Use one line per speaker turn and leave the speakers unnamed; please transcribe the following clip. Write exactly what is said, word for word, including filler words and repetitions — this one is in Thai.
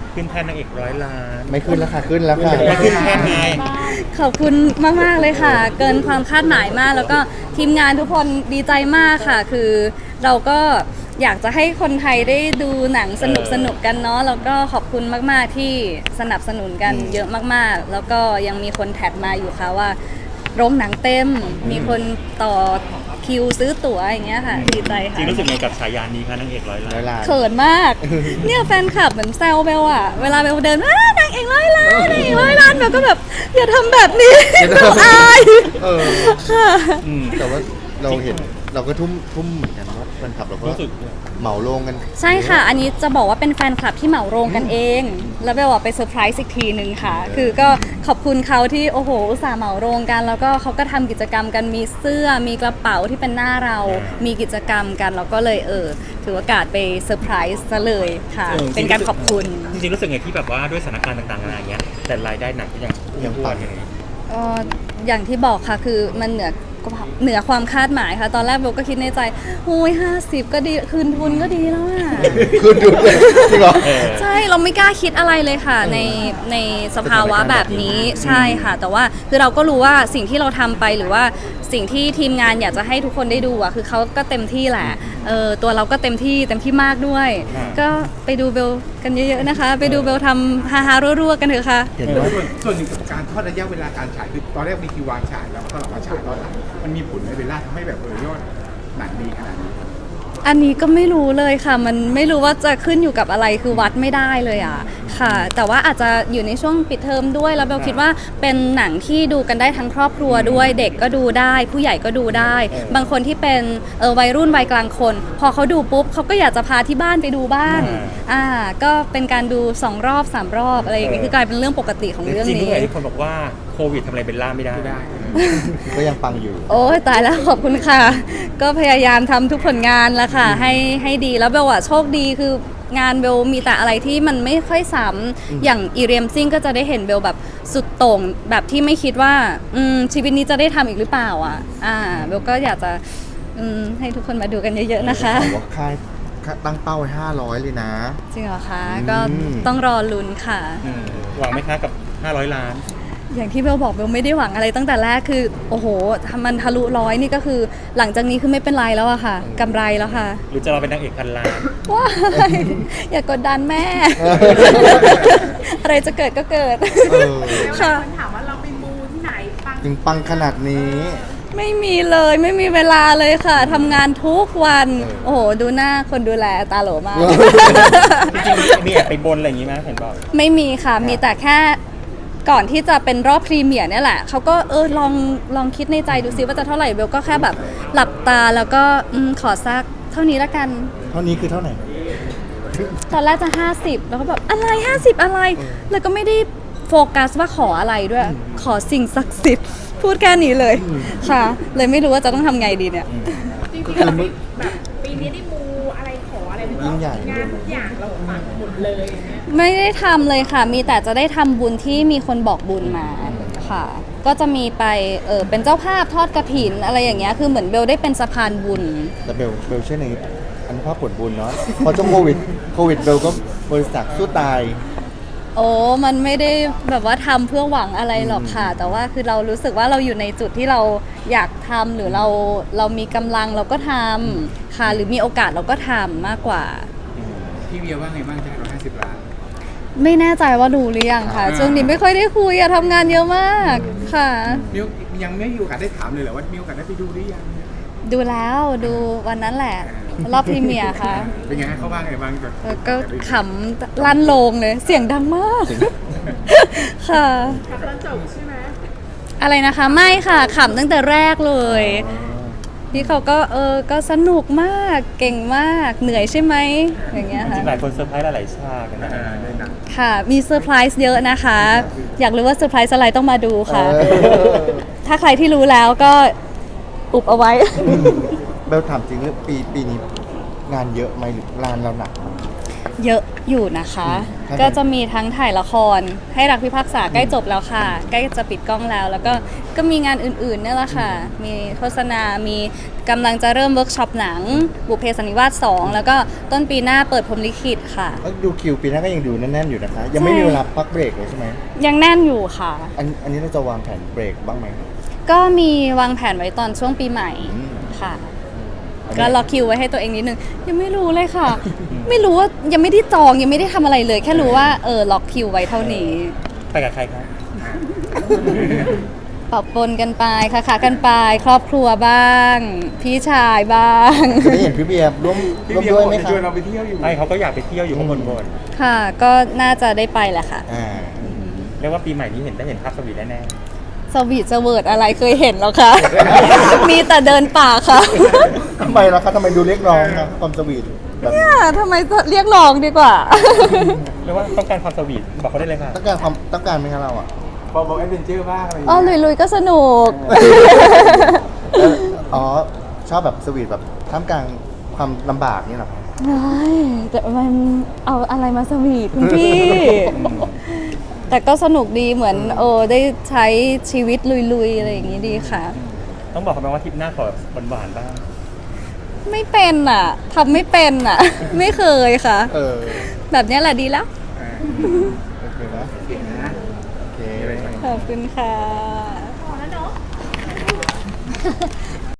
ขึ้นแท่นนางเอกร้อยล้าน
ไม่ขึ้นแล้วค่ะขึ้นแล้วค่ะ
ไม่ขึ้นแท่นไง
ขอบคุณมากๆเลยค่ะ เกินความคาดหมายมาก แล้วก็ทีมงานทุกคนดีใจมากค่ะ คือเราก็อยากจะให้คนไทยได้ดูหนังสนุกสนุกกันเนาะแล้วก็ขอบคุณมากๆที่สนับสนุนกันเยอะมากๆ แล้วก็ยังมีคนแท็กมาอยู่ค่ะว่าโรงหนังเต็ม มีคนต่อคิวซื้อตั๋วอย่างเงี้ยค่ะดีใจ
จริ
ค่ะ
งรู้สึกไงกับฉายานี้คะนางเอกร้อยล้า
ร้อน ยล้าน
เขินมาก เนี่ยแฟนคลับเหมือนแซวเบลอะเวลาเบลเดินอ้านางเอกร้อยล้านนางเอกร้อยล้านเบลก็แบบอย่าทำแบบนี้เบลอาย
เออ
ค่ะ
อืม
แต่ว่าเราเห็นเราก็ทุ่มทุ่มเหมือนกันว่าแฟนคลับเราก็
รู้สึก
เหมาโรงกัน
ใช่ค่ะ อันนี้จะบอกว่าเป็นแฟนคลับที่เหมาโรงกันเอง แล้วเบลอะไปเซอร์ไพรส์อีกทีหนึ่งค่ะ คือก็ขอบคุณเขาที่โอ้โหอุตส่าห์เหมาโรงกัน แล้วก็เขาก็ทำกิจกรรมกันมีเสื้อมีกระเป๋าที่เป็นหน้าเรา มีกิจกรรมกันแล้วก็เลยเออถือโอกาสไปเซอร์ไพรส์ซะเลยค่ะ
เออ
เป็นการขอบคุณ
จริงๆรู้สึกไงที่แบบว่าด้วยสถานการณ์ต่างๆอะไรอย่างเงี้ยแต่รายได้หนังก็ยัง
ยังปัง
อยู่
เอ่ออย่างที่บอกค่ะคือมันเหนือเหนือความคาดหมายค่ะ ตอนแรกเบลก็คิดในใจโอ้ยห้าสิบก็ดีคืนทุนก็ดีแล้วอะ
ขึ้นดูเลยจริงเหรอ
เออ
ใช่เราไม่กล้าคิดอะไรเลยค่ะในในสภาวะแบบนี้ใช่ค่ะ แต่ว่าคือเราก็รู้ว่าสิ่งที่เราทำไปหรือว่าสิ่งที่ทีมงานอยากจะให้ทุกคนได้ดูอ่ะคือเขาก็เต็มที่แหละเออตัวเราก็เต็มที่เต็มที่มากด้วย
อ่า
ก็ไปดูเบลกันเยอะๆนะคะ ไปดูเบลทำฮาฮาๆรัวๆกันเถอะค่ะ
เห็นว่า
ส่วนส่วนหนึ่งกับการทอดระยะเวลาการฉายคือตอนแรกมีคิววางฉายแล้วก็ตอนหลังมาฉายตอนหลังมันมีผลในเวลาทำให้แบบเออยอดหนังดีขนาดนี้
อันนี้ก็ไม่รู้เลยค่ะ มันไม่รู้ว่าจะขึ้นอยู่กับอะไรคือวัดไม่ได้เลยอ่ะค่ะ แต่ว่าอาจจะอยู่ในช่วงปิดเทอมด้วยแล้วเบลคิดว่าเป็นหนังที่ดูกันได้ทั้งครอบครัวด้วย เด็กก็ดูได้ ผู้ใหญ่ก็ดูได้ บางคนที่เป็นเออวัยรุ่นวัยกลางคน พอเขาดูปุ๊บเขาก็อยากจะพาที่บ้านไปดูบ้างอ่าก็เป็นการดูสองรอบสามรอบอะไรอย่างเงี้ยคือกลายเป็นเรื่องปกติของเรื่อง
จริงๆ
นี้
ด้วยที่คนบอกว่าโควิดทำอะไรเบลล่าไม่ได้
ไม่ได้
ก็ยังปังอยู่
โอ้ยตายแล้วขอบคุณค่ะ ก็พยายามทำทุกผลงานแล้วค่ะ ให้ให้ดีแล้วเบลอะโชคดีคืองานเบลมีแต่อะไรที่มันไม่ค่อยซ้ำอย่างอีเรียมซิ่งก็จะได้เห็นเบลแบบสุดโต่งแบบที่ไม่คิดว่าอืมชีวิตนี้จะได้ทำอีกหรือเปล่าอ่ะอ่าเบลก็อยากจะอืมให้ทุกคนมาดูกันเยอะๆนะคะ
บอกว่าค่ายตั้งเป้าไว้ห้าร้อยเลยนะ
จริงเหรอคะ
อืม
ก็ต้องรอลุ้นค่ะ
อืมหวังไหมคะกับห้าร้อยล้าน
อย่างที่เบลบอกเบลไม่ได้หวังอะไรตั้งแต่แรกคือโอ้โหถ้ามันทะลุร้อยนี่ก็คือหลังจากนี้คือไม่เป็นไรแล้วอะค่ะกำไรแล้วค่ะ
หรือจะเราเป็นนางเอกพันล้าน
ว้ายอย่ากดดันแม่ อะไรจะเกิดก็เกิด
เออ
ค่ะ
คนถามว่าเราไปมูที่ไหนปัง
ถึงปังขนาดนี้
ไม่มีเลยไม่มีเวลาเลยค่ะทำงานทุกวัน โอ้โห ดูหน้าคนดูแลตาโหลมาก
จริงๆมีแอบไปบนอะไรอย่างงี้ไหมเห็นบอก
ไม่มีค่ะ มีแต่แค่ก่อนที่จะเป็นรอบพรีเมียร์เนี่ยแหละเขาก็เออลองลองคิดในใจดูซิว่าจะเท่าไหร่เบลก็แค่แบบหลับตาแล้วก็อืมขอสักเท่านี้ละกัน
เท่านี้คือเท่าไหร่
ตอนแรกจะห้าสิบแล้วก็แบบอะไรห้าสิบอะไร แล้วก็ไม่ได้โฟกัสว่าขออะไรด้วย ขอสิ่งศักดิ์สิทธิ์พูดแค่นี้เลยค่ะ เลยไม่รู้ว่าจะต้องทำไงดีเนี่ย
จริงๆเราไม่แบบปีนี้ได้มูอะไรขออะไรไหม
ยิ่งใหญ่
งานทุกอย่างเราปังหมดเลยอย่างเงี้ย
ไม่ได้ทำเลยค่ะ มีแต่จะได้ทำบุญที่มีคนบอกบุญมาค่ะ ก็จะมีไปเออเป็นเจ้าภาพทอดกระถินอะไรอย่างเงี้ยคือเหมือนเบลได้เป็นสะพานบุญ
แต่เบลเบลเชื่อในอนุภาพผลบุญเนาะพอช่วงโควิดโควิดเบลก็บริษัทสู้ตาย
โอ้ มันไม่ได้แบบว่าทำเพื่อหวังอะไรหรอกค่ะ แต่ว่าคือเรารู้สึกว่าเราอยู่ในจุดที่เราอยากทำหรือเราเรามีกำลังเราก็ทำค่ะ หรือมีโอกาสเราก็ทำมากกว่า
พี่เวียว่าไงบ้างจะให้เราห้าสิบล้าน
ไม่แน่ใจว่ารู้หรือยังค่ะ
อ่า
ช่วงนี้ไม่ค่อยได้คุยอะทำงานเยอะมากค่ะ
มิวยังไม่มีโอกาสได้ถามเลยเหรอว่ามีโอกาสได้ไปดูหรือยัง
ดูแล้วดูวันนั้นแหละ รอบพรีเมียร์ค่ะ
เป็นไงเขาว่าไงบ้างแบบ
แล้วก็ขำลั่นโลงเลย เสียงดังมาก ค่ะ
ขับตอนจบใช่ไหม
อะไรนะคะไม่ค่ะขำตั้งแต่แรกเลยพี่เขาก็เออก็สนุกมากเก่งมากเหนื่อยใช่ไหมอย่างเงี้ย
จ
ค่ะ
ริงๆหลายคนเซอร์ไพรส์หลายๆฉากนะ
อ่าได้หนัง
ค่ะมีเซอร์ไพรส์เยอะนะคะ อยากรู้ว่าเซอร์ไพรส์อะไรต้องมาดูค่ะ
เออ
ถ้าใครที่รู้แล้วก็อุบเอาไว้
เบลถามจริงเรื่องปีปีนี้งานเยอะไหมหรืองานเราหนักไหม
เยอะอยู่นะคะ
ครับ
ก็จะมีทั้งถ่ายละครให้รักพิพากษาใกล้จบแล้วค่ะ ใกล้จะปิดกล้องแล้ว แล้วก็ก็มีงานอื่นๆเนี่ยแหละค่ะ มีโฆษณา มีกำลังจะเริ่มเวิร์กช็อปหนัง บุพเพสันนิวาสสองแล้วก็ต้นปีหน้าเปิดพรหมลิขิตค่ะ
ก็ดูคิวปีหน้าก็ยังดูแน่นๆอยู่นะคะ ยังไม่มีเวลาพักเบรกเลยใช่ไหม
ยังแน่นอยู่ค่ะ
อันอันนี้เราจะวางแผนเบรกบ้างไหม
ก็มีวางแผนไว้ตอนช่วงปีใหม่
อืม
ค่ะ
อันนี้
ก็ล็อกคิวไว้ให้ตัวเองนิดนึง ยังไม่รู้เลยค่ะ ไม่รู้ว่ายังไม่ได้จองยังไม่ได้ทำอะไรเลย แค่รู้ว่าเออล็อกคิวไว้เท่านี้
ไปกับใครครับ
ปรับปนกันไปค่ะค่ะกันไปครอบครัวบ้าง พี่ชายบ้าง
จะได้เห็นพี่เบียร์ร่วม
พี่
ร่วม
เบียร์
ด้วย
บอก
ไหม
จะ
คะ
ชวนเราไปเที่ยวอยู่
ไม่เขาก็อยากไปเที่ยวอยู่ข้างบนบน
ค่ะ ก็น่าจะได้ไปแหละค่ะ
อ่า
เรียกว่าปีใหม่นี้เห็นได้เห็นภาพสวีทแน่
สวีทสเวิร์ดอะไรเคยเห็นแล้วคะ มีแต่เดินป่าค่ะ
ทำไมล่ะคะทำไมดูเรียกร้องนะความสวีทแบบนี้
เนี่ยทำไมเรียกร้องดีกว่า
ๆเรียกว่าต้องการความสวีทบอกเขาได้เลยค่ะ
ต้องการความต้องการไหมคะเราอ่ะ
บอกบอกแอดเวนเจอร์บ้างอะไรอย่าง
อ๋อ
เงี้ย
ลุยๆก็สนุก
แล้วอ๋อชอบแบบสวีทแบบท่ามกลางความลำบากนี่เหรอครับ
เฮ้ยแต่มันเอาอะไรมาสวีทคุณพี่ แต่ก็สนุกดีเหมือนโอ้ได้ใช้ชีวิตลุยๆ อะไรอย่างนี้ดีค่ะ
ต้องบอกเขาไหมว่าทริปหน้าขอหวานๆบ้าง
ไม่เป็นอ่ะทำไม่เป็นอ่ะ ไม่เคยค่ะ
เออ
แบบเนี้ยแหละดีแล้ว
โอเคนะ
เก่งนะ
โอเค
ขอบคุณค่ะ
พอแล้วเนาะ